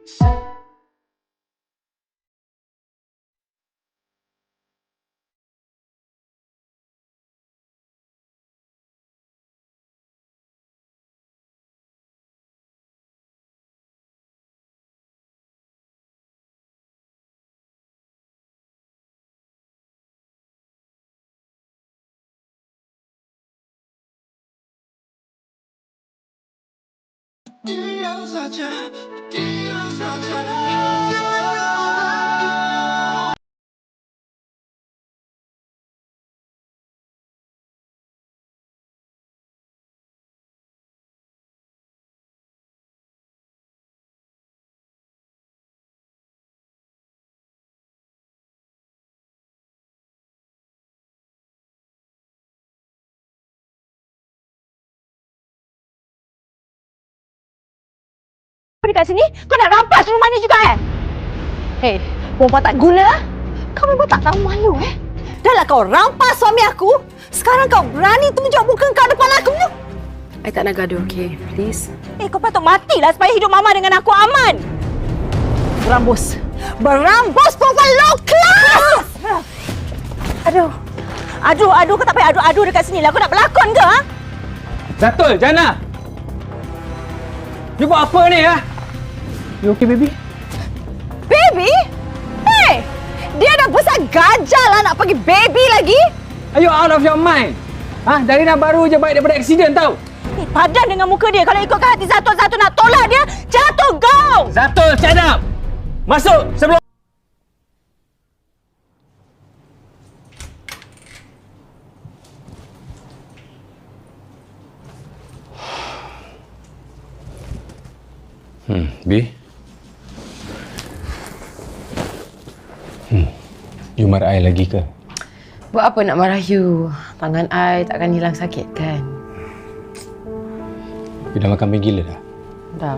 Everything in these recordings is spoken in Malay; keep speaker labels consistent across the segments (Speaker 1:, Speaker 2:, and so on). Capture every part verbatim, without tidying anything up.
Speaker 1: Diam saja, diam saja.
Speaker 2: Apa dekat sini? Kau nak rampas rumah ni juga eh? Hei, perempuan tak guna. Kau memang tak tahu malu eh? Dah lah kau rampas suami aku. Sekarang kau berani tunjuk muka kau depan aku.
Speaker 3: I tak nak gaduh, okay? Please.
Speaker 2: Eh, kau patut matilah supaya hidup Mama dengan aku aman. Berambus. Berambus perempuan low class! Aduh. Aduh, aduh. Kau tak payah aduh-aduh dekat sini lah. Kau nak berlakon ke, ha?
Speaker 4: Zatul, Jana! You buat apa ni, ha? You okay, baby?
Speaker 2: Baby? Hey! Dia dah besar gajah lah nak pergi baby lagi.
Speaker 4: Are you out of your mind? Ha? Dari nak baru je baik daripada aksiden tau.
Speaker 2: Eh, padan dengan muka dia. Kalau ikutkan hati Zatul-Zatul nak tolak dia, jatuh gaung!
Speaker 4: Zatul, shut up! Masuk sebelum... Hmm, B. Hmm, you marah I lagi ke?
Speaker 3: Buat apa nak marah you? Tangan I takkan hilang sakit kan?
Speaker 4: You dah makan gila dah?
Speaker 3: Dah.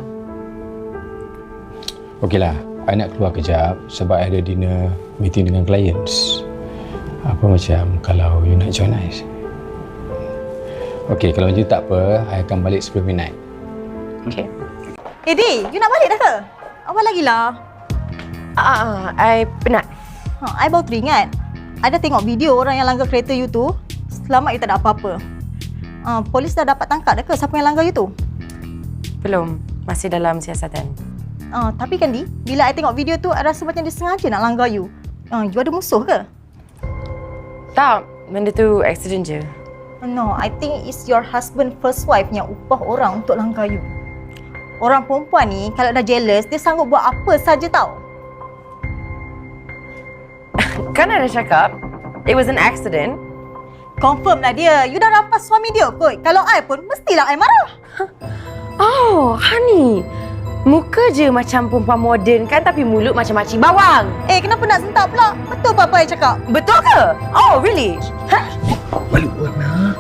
Speaker 4: Okeylah, I nak keluar kejap sebab I ada dinner meeting dengan clients. Apa macam kalau you nak join I? Okey, kalau macam tu tak apa, I akan balik sebelum midnight.
Speaker 3: Okay.
Speaker 2: Eh, Di, you nak balik dah ke? Awal lagi lah.
Speaker 3: Ah, I penat.
Speaker 2: Ha, I baru teringat. I dah tengok video orang yang langgar kereta you tu. Selamat you tak ada apa-apa. Uh, polis dah dapat tangkap dah ke siapa yang langgar you tu?
Speaker 3: Belum. Masih dalam siasatan.
Speaker 2: Uh, tapi kan, Di, bila I tengok video tu, I rasa macam dia sengaja nak langgar you. Uh, you ada musuh ke?
Speaker 3: Tak. Benda tu accident je.
Speaker 2: No, I think it's your husband first wife yang upah orang untuk langgar you. Orang perempuan ni kalau dah jealous, dia sanggup buat apa saja tau.
Speaker 3: Kan ada cakap, it was an accident.
Speaker 2: Confirm lah dia. You dah rampas suami dia kot. Kalau I pun, mestilah I marah.
Speaker 3: Oh, honey. Muka je macam perempuan moden kan, tapi mulut macam makcik bawang.
Speaker 2: Eh, kenapa nak sentak pula? Betul apa-apa I cakap?
Speaker 3: Betul ke? Oh, really? Ha?
Speaker 5: Balik warna.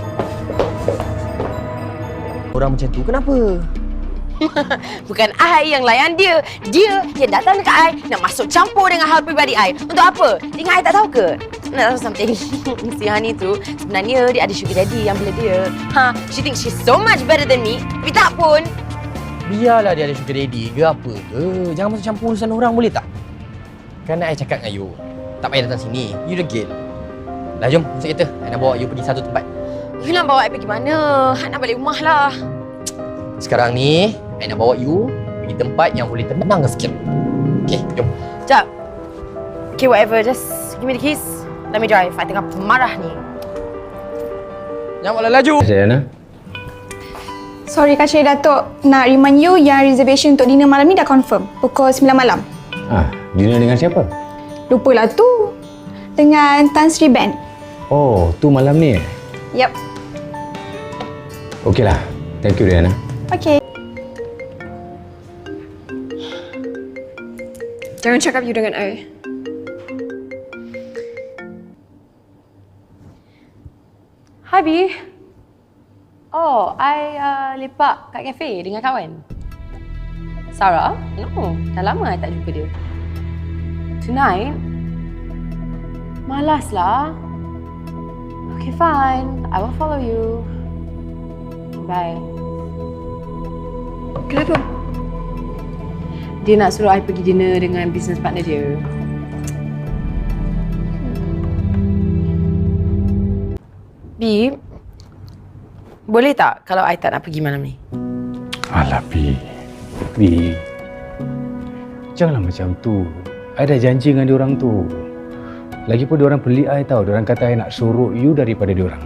Speaker 5: Orang macam tu kenapa?
Speaker 3: Bukan I yang layan dia. Dia yang datang dekat I nak masuk campur dengan hal peribadi I. Untuk apa? Tinggal I tak tahu ke? Nak tahu something? Si Hani tu sebenarnya dia ada sugar daddy yang bela dia. Ha, she thinks she's so much better than me. Tapi tak pun.
Speaker 5: Biarlah dia ada sugar daddy ke apa ke. Jangan masuk campur urusan orang boleh tak? Kan I cakap dengan you, tak payah datang sini. You degil. Dah jom, masuk kereta. I nak bawa you pergi satu tempat.
Speaker 3: You nak bawa I pergi mana? I nak balik rumah lah.
Speaker 5: Sekarang ni, I nak bawa you pergi tempat yang boleh tenang sikit. Okay, jom.
Speaker 3: Sekejap. Okay, whatever. Just give me the keys. Let me drive. I tengah marah ni.
Speaker 5: Jangan malah laju.
Speaker 4: Jana.
Speaker 6: Sorry Kak Syed Datuk, nak remind you yang reservation untuk dinner malam ni dah confirm. Pukul sembilan malam.
Speaker 4: Ah, dinner dengan siapa?
Speaker 6: Lupalah tu. Dengan Tan Sri Band.
Speaker 4: Oh, tu malam ni eh?
Speaker 6: Yep.
Speaker 4: Okeylah. Thank you, Riana.
Speaker 6: Okay. Jangan cakap you dengan I.
Speaker 3: Hi, B. Oh, I uh, lepak kat kafe dengan kawan. Sarah? No, dah lama I tak jumpa dia. Tonight? Malaslah. Okay, fine. I will follow you. Bye.
Speaker 6: Kenapa?
Speaker 3: Dia nak suruh I pergi dinner dengan business partner dia. Bi, boleh tak kalau I tak nak pergi malam ni?
Speaker 4: Alah, Bi. Bi. Janganlah macam tu. I dah janji dengan diorang tu. Lagipun diorang pelik I tau. Diorang kata I nak suruh you daripada diorang.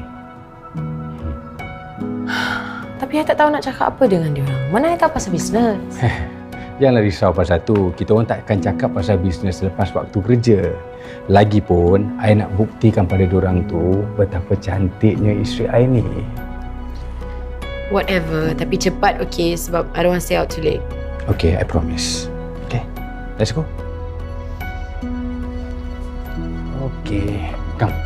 Speaker 3: Tapi I tak tahu nak cakap apa dengan dia orang. Mana I tahu pasal bisnes?
Speaker 4: Janganlah risau pasal tu. Kita orang takkan cakap pasal bisnes selepas waktu kerja. Lagipun, I nak buktikan pada diorang tu betapa cantiknya isteri I ni.
Speaker 3: Whatever. Tapi cepat, okay? Sebab I don't want to stay out too late.
Speaker 4: Okay, I promise. Okay, let's go. Okay, come.